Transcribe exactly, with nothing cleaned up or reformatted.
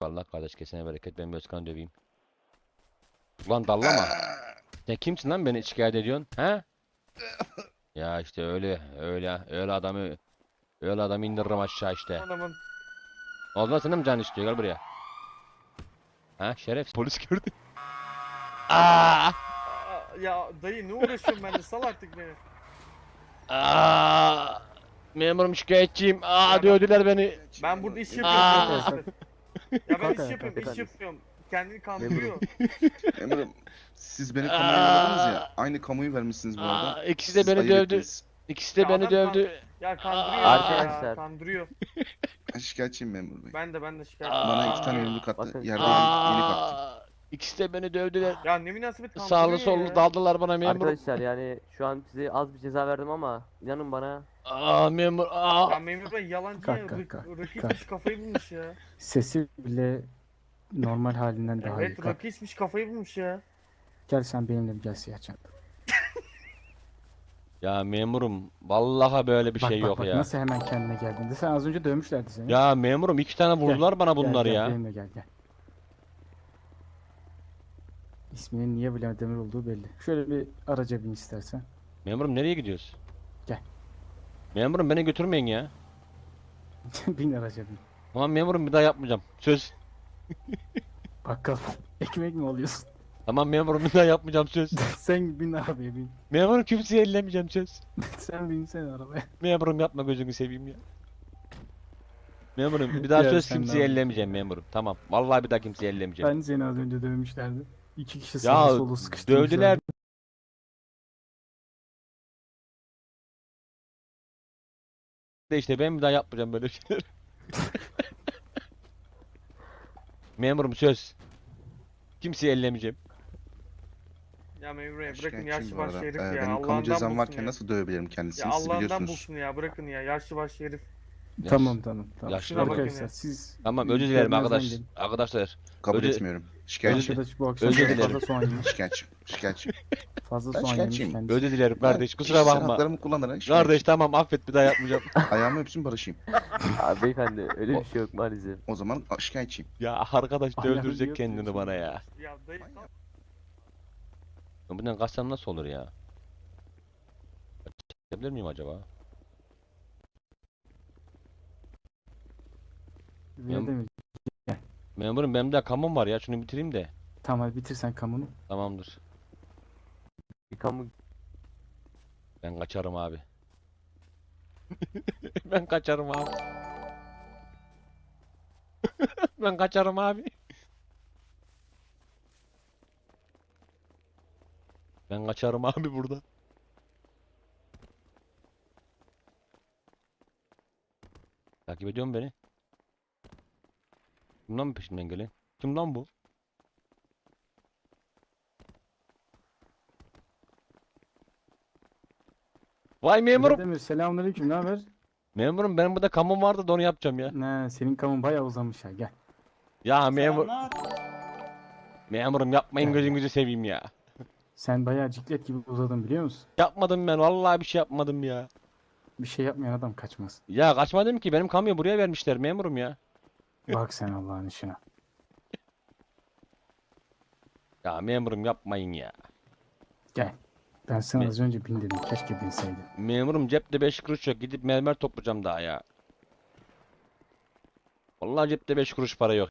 Vallahi kardeş kesene bereket, ben bir Özkan'ı döveyim. Ulan dallama. Sen kimsin lan beni şikayet ediyorsun? He? Ya işte öyle öyle öyle adamı öyle adamı indiririm aşağı işte. Anamın. Olmaz senin mi canın istiyor, gel buraya. Ha şeref, polis gördü. Aa! Aa, ya dayı ne uğraşıyorum ben de, sal artık beni. Aa! Memurum şikayetçiyim. Aa Ya ben- dövdüler beni. Ben burada iş Memur- yapıyorum Aa! canım sıkı. Ya ben Kalk iş ayağa, yapıyorum, kalk iş efendim. yapıyorum. Kendini kandırıyor. Memurum, siz beni kamuya yolladınız ya. Aynı kamuyu vermişsiniz bu arada. Aa, ikisi de Siz beni ayıp dövdü. ettiniz. İkisi de Ya beni adam kan- dövdü. Ya kandırıyor Aa! ya, Arkadaşlar. kandırıyor. Ben şikayetçiyim memur bey. Ben de ben de şikayet Aa! Bana iki tane Kandırıyor. yumruk attı. Bakın. Yerdeydim, yeni kalktım. Aa! İkisi de beni dövdüler. Ya ne münasebet kandırıyor Sağlı sollu ya. daldılar bana memurum. Arkadaşlar yani şu an size az bir ceza verdim ama inanın bana Aa memur. Ya Aa! memur bey yalancı Kalk, ya. kalk, Rak- kalk, Rakı kalk. içmiş, kafayı bulmuş ya. Sesi bile normal halinden daha iyi. Evet, Kalk. rakı içmiş, kafayı bulmuş ya. Gel sen benimle bir gel Siyahcan. Ya memurum, vallahi böyle bir Bak şey bak yok bak ya. nasıl hemen kendine geldin. De sen az önce dövmüşlerdi seni. Ya memurum, iki tane Gel, vurdular bana Gel, bunlar gel, ya. benimle gel gel. İsminin niye Bülent Demir olduğu belli. Şöyle bir araca bin istersen. Memurum nereye gidiyoruz? Gel. Memurum beni götürmeyin ya. Bin araca bin. Tamam memurum, bir daha yapmayacağım. Söz. Bakkal ekmek mi alıyorsun? Tamam memurum, bir daha yapmayacağım, söz. Sen bin arabaya bin. Memurum, kimseye ellemeyeceğim, söz. Sen binsene arabaya. Memurum yapma, gözünü seveyim ya. Memurum bir daha Ya söz, sen ne kimseye yapıyorsun ellemeyeceğim memurum. Tamam. Vallahi bir daha kimseye ellemeyeceğim. Ben seni az önce dövmüşlerdi. İki kişi Ya sağa solu sıkıştırmışlardı. dövdüler. De işte ben bir daha yapmayacağım böyle şeyler. Memurum söz. Kimseye ellemeyeceğim. Ya memur bey Ben bırakın şikayetçiyim yaşlı bu başlı arada. herif Ee, ya. benim kamu Allah'ından cezam bulsun varken ya. nasıl dövebilirim Ya kendisini, siz Allah'ından biliyorsunuz. bulsun ya, bırakın ya, yaşlı başlı herif. Tamam tamam tamam. Yaşlı bakın Arkadaşlar ya. siz Tamam, özür dilerim görmezden arkadaş. gelin. Arkadaşlar. Kabul Özür- etmiyorum. Şikayetçiyim. Arkadaş bu akşam Özür çok dilerim. fazla soğan yemiş. Şikayetçiyim. Şikayetçiyim. Fazla Ben soğan yemiş şikayetçiyim. kendisi. Özür dilerim kardeş. Ben Kusura kişisel bakma. haklarımı kullanarak Kardeş şikayetçiyim. tamam, affet, bir daha yapmayacağım. Ayağımı öpsün barışayım. Abi beyefendi öyle bir şey yok maalesef. O zaman a- şikayetçiyim. Ya arkadaş Ayağını öldürecek yok kendini diyorsun. bana ya. Ya dayı Manyak. Bundan kaçsam nasıl olur ya? Çekebilir miyim acaba? Öyle deme. Memurum, benim de kamum var ya, şunu bitireyim de. Tamam hadi bitir sen kamunu. Tamamdır. Bir kamu Ben kaçarım abi. Ben kaçarım abi. Ben kaçarım abi. Ben kaçarım abi burada. Takip ediyor mu beni? Kimden mi peşimden gelen? Kim lan bu? Vay memurum. Öyle deme. Selamünaleyküm. Ne haber? Memurum, benim burada kamum vardı da onu yapacağım ya. Ne senin kamun bayağı uzamış ha. Gel. Ya memur. Memurum yapmayın, gözünüzü seveyim ya. Sen bayağı ciklet gibi uzadın biliyor musun? Yapmadım ben, vallahi bir şey yapmadım ya. Bir şey yapmayan adam kaçmaz. Ya kaçmadım ki, benim kamyonu buraya vermişler memurum ya. Bak sen Allah'ın işine. Ya memurum yapmayın ya. Gel. Ben sana Ne? az önce bin dedim. Keşke binseydin. Memurum cepte beş kuruş yok, gidip mermer toplayacağım daha ya. Vallahi cepte beş kuruş para yok.